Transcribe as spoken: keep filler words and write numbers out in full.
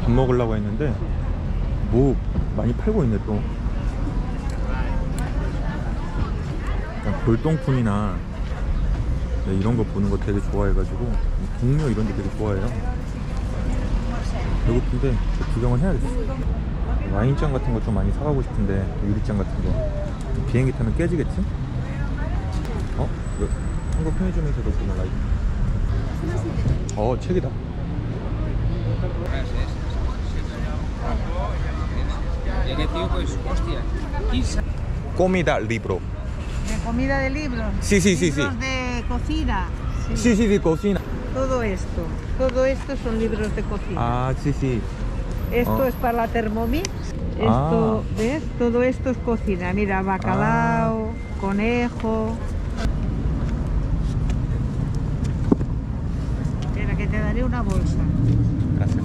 밥 먹으려고 했는데 뭐 많이 팔고 있네 또. 골동품이나 네, 이런 거 보는 거 되게 좋아해가지고 동묘 이런 데 되게 좋아해요. 배고픈데 구경을 해야겠어. 와인잔 같은 거 좀 많이 사가고 싶은데 유리잔 같은 거 비행기 타면 깨지겠지? 어? 이거 한국 편의점에서도 보면 라이트. 어 책이다. Comida libro. De comida de libros. Sí, sí, sí, sí. Libros de cocina. Sí, sí, sí, cocina. Todo esto. Todo esto son libros de cocina. Ah, sí, sí. Esto Oh. es para la Thermomix. Ah. Esto, ¿ves? Todo esto es cocina. Mira, bacalao, conejo. Espera, que te daré una bolsa. Gracias.